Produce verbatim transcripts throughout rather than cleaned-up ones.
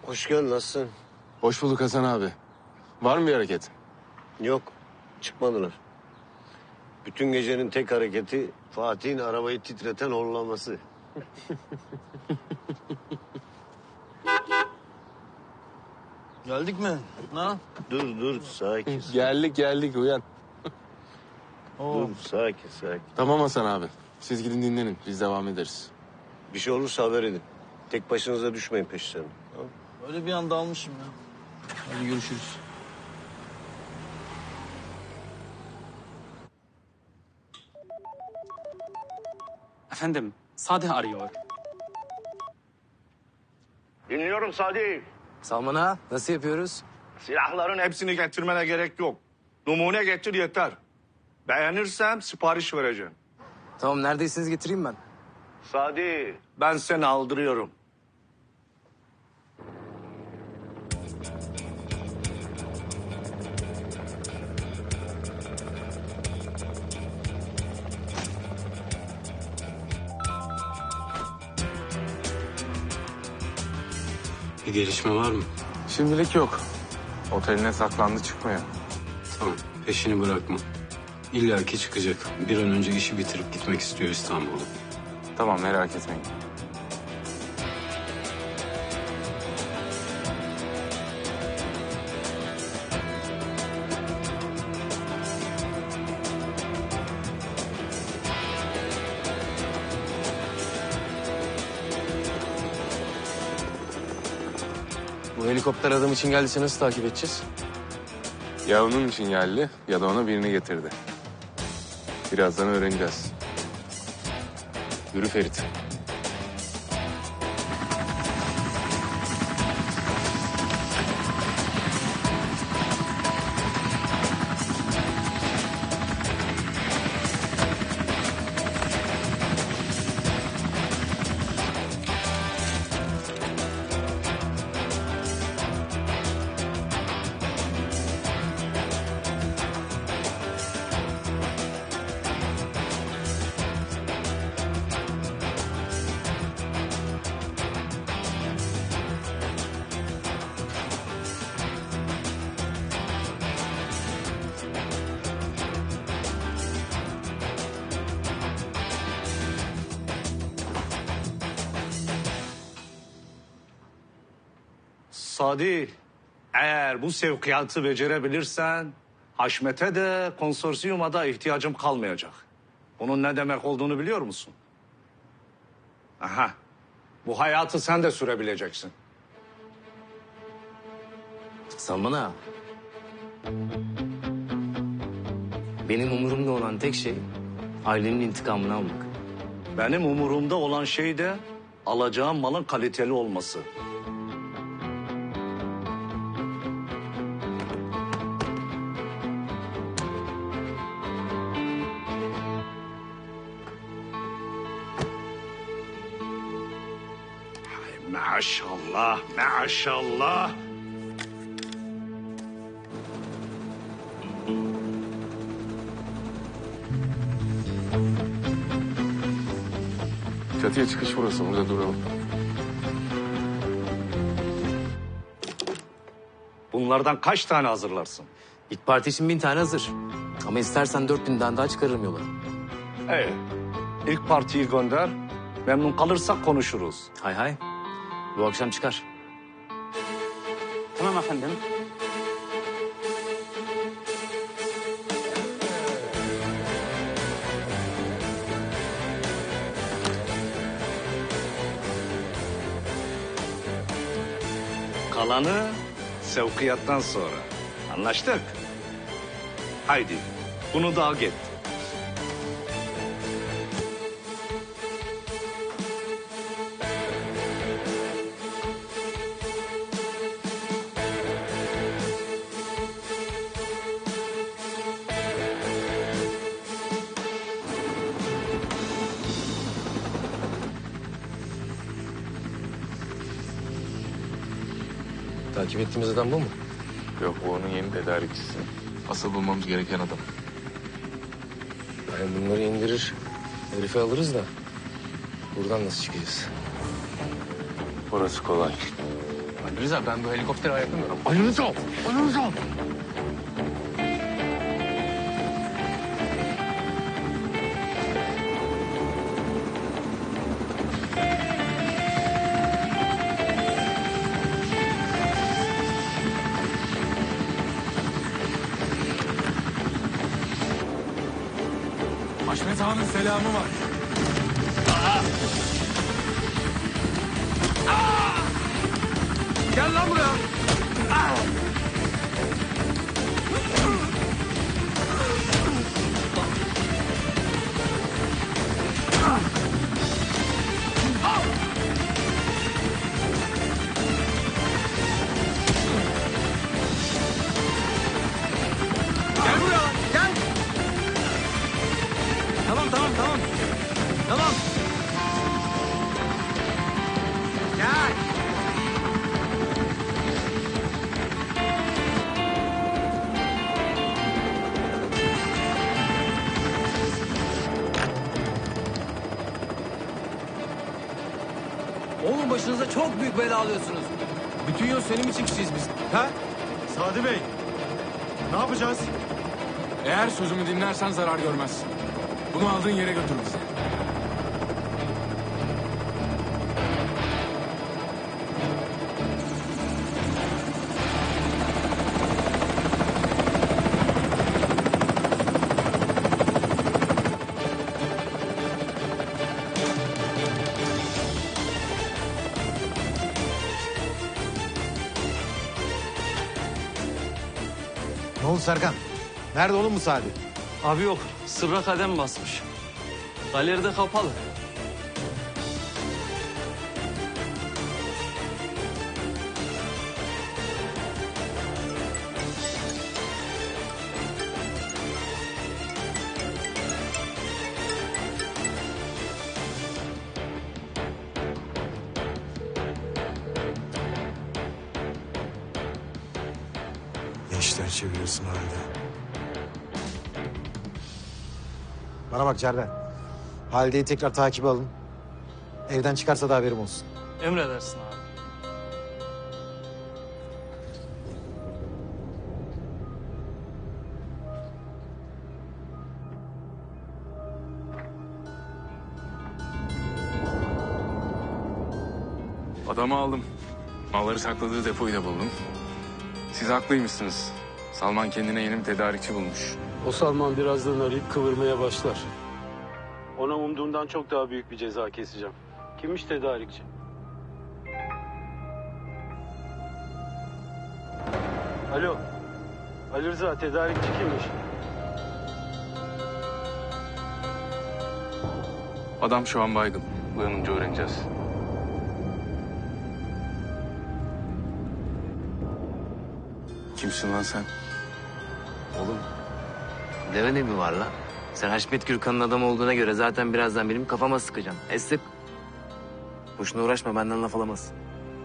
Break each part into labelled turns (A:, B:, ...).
A: Hoş geldin, nasılsın?
B: Hoş bulduk Hasan abi. Var mı bir hareket?
A: Yok, çıkmadılar. Bütün gecenin tek hareketi Fatih'in arabayı titreten horlaması.
C: Geldik mi? Ha?
A: Dur dur, sakin.
B: Geldik geldik uyan.
A: Dur, sakin sakin.
B: Tamam Hasan abi. Siz gidin dinlenin. Biz devam ederiz.
A: Bir şey olursa haber edin. Tek başınıza düşmeyin peşlerine. Tamam?
C: Öyle bir anda almışım ya. Hadi görüşürüz.
D: Efendim, Sadih arıyor.
E: Dinliyorum Sadi.
F: Salman ağa, nasıl yapıyoruz?
E: Silahların hepsini getirmene gerek yok. Numune getir yeter. Beğenirsem sipariş vereceğim.
F: Tamam, neredeyseniz getireyim ben.
E: Sadi, ben seni aldırıyorum.
G: Bir gelişme var mı?
B: Şimdilik yok. Oteline saklandı çıkmıyor.
G: Tamam, peşini bırakma. İlla ki çıkacak. Bir an önce işi bitirip gitmek istiyor İstanbul'a.
B: Tamam merak etmeyin.
F: Bu helikopter adam için geldiyse nasıl takip edeceğiz?
B: Ya onun için geldi ya da ona birini getirdi. Birazdan öğreneceğiz. Yürü Ferit.
E: Sadi, eğer bu sevkiyatı becerebilirsen... Haşmet'e de konsorsiyuma da ihtiyacım kalmayacak. Bunun ne demek olduğunu biliyor musun? Aha, bu hayatı sen de sürebileceksin.
F: Salman ağa. Benim umurumda olan tek şey ailenin intikamını almak.
E: Benim umurumda olan şey de alacağım malın kaliteli olması. Ay, maşallah, maşallah.
B: Çatıya çıkış burası. Burada duralım.
E: Bunlardan kaç tane hazırlarsın?
F: İlk parti için bin tane hazır. Ama istersen dört binden daha çıkarırım yola.
E: Ee, ilk partiyi gönder. Memnun kalırsak konuşuruz.
F: Hay hay. Bu akşam çıkar.
D: Tamam efendim.
E: Kalanı sevkiyattan sonra. Anlaştık? Haydi bunu da al git.
F: Takip ettiğimiz adam bu mu?
B: Yok bu onun yeni tedarikçisi. Asıl bulmamız gereken adam.
F: Yani bunları indirir, herifi alırız da buradan nasıl çıkacağız?
B: Orası kolay. Ali Rıza ben bu helikoptere ayaklanıyorum.
E: Ali Rıza! Ali Rıza!
B: Haşmet Ağa'nın selamı var.
E: Gel lan buraya!
C: Gel buraya. Gel. Tamam tamam tamam. Tamam. Gel. Oğlum başınıza çok büyük bela alıyorsunuz. Bütün yol senin için kişiyiz biz. Ha?
H: Sadi Bey, ne yapacağız?
B: Eğer sözümü dinlersen zarar görmezsin. Bunu aldığın yere götür bizi.
H: Ne oldu Serkan? Nerede oğlum bu Sadi?
C: Abi yok. Sırra kadem basmış. Galeride kapalı.
H: Ne işler çeviriyorsun halde? Bana bak Cerden. Halide'yi tekrar takibe alın. Evden çıkarsa da haberim olsun.
C: Emredersin abi.
B: Adamı aldım. Malları sakladığı depoyu da buldum. Siz haklıymışsınız. Salman kendine yeni bir tedarikçi bulmuş.
G: O Salman birazdan arayıp kıvırmaya başlar. Ona umduğumdan çok daha büyük bir ceza keseceğim. Kimmiş tedarikçi? Alo. Ali Rıza, tedarikçi kimmiş?
B: Adam şu an baygın. Uyanınca öğreneceğiz. Kimsin lan sen?
F: Oğlum deve ne mi var lan? Sen Haşmet Gürkan'ın adamı olduğuna göre zaten birazdan benim kafama sıkacaksın. E sık. Boşuna uğraşma, benden laf alamazsın.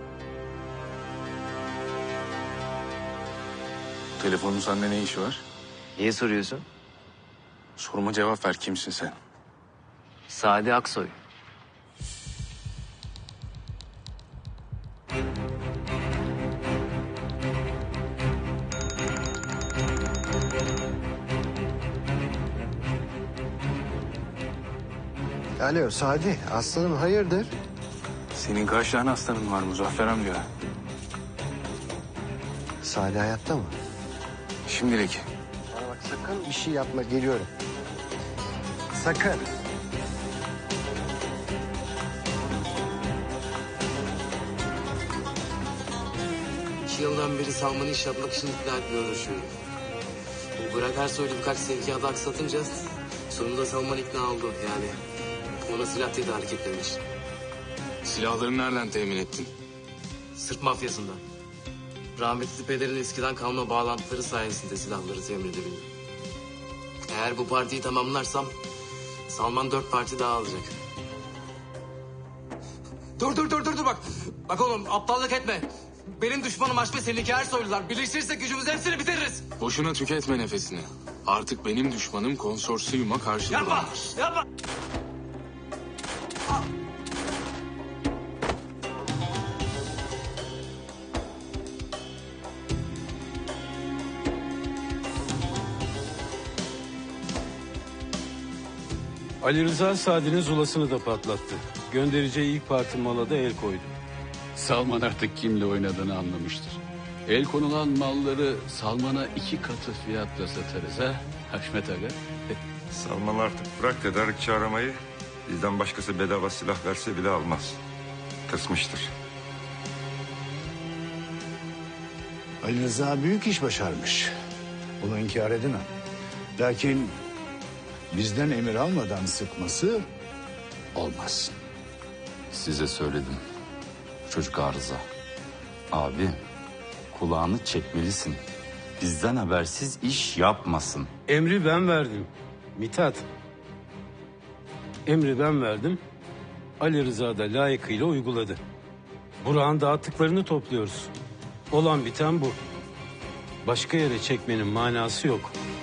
B: Telefonun sende ne işi var?
F: Niye soruyorsun?
B: Soruma cevap ver. Kimsin sen?
F: Sadi Aksoy.
H: Alo Sadi, aslanım hayırdır?
B: Senin kaç tane hastanın var Muzaffer amca?
H: Sadi hayatta mı?
B: Şimdilik.
H: Bana bak sakın bir şey yapma, geliyorum. Sakın.
F: İki yıldan beri Salman'ı iş yapmak için ikna etmeye uğraşıyorum. Bu Burak Ersoy'la birkaç sevkiyatı aksatınca sonunda Salman ikna oldu yani. Ona silah tedarik etmemiş.
B: Silahları nereden temin ettin?
F: Sırp mafyasından. Rahmetli pederin eskiden kalma bağlantıları sayesinde silahları temin edebildim. Eğer bu partiyi tamamlarsam Salman dört parti daha alacak. Dur dur dur dur dur bak. Bak oğlum aptallık etme. Benim düşmanım Haşmet, seninki Ersoylular. Birleştirirsek gücümüzü hepsini bitiririz.
B: Boşuna tüketme nefesini. Artık benim düşmanım konsorsiyuma karşı
F: Yapma,
B: duranlar.
F: yapma.
G: Ali Rıza Sadi'nin zulasını da patlattı. Göndereceği ilk parti mala da el koydu.
I: Salman artık kimle oynadığını anlamıştır. El konulan malları Salman'a iki katı fiyatla satarız ha Haşmet Aga.
J: Salman artık bırak tedarikçi aramayı. Bizden başkası bedava silah verse bile almaz. Kısmıştır.
K: Ali Rıza büyük iş başarmış. Bunu inkar edemem. Lakin bizden emir almadan sıkması olmaz.
L: Size söyledim. Çocuk arıza. Abi kulağını çekmelisin. Bizden habersiz iş yapmasın.
G: Emri ben verdim. Mithat. Emri ben verdim. Ali Rıza da layıkıyla uyguladı. Burak'ın dağıttıklarını topluyoruz. Olan biten bu. Başka yere çekmenin manası yok.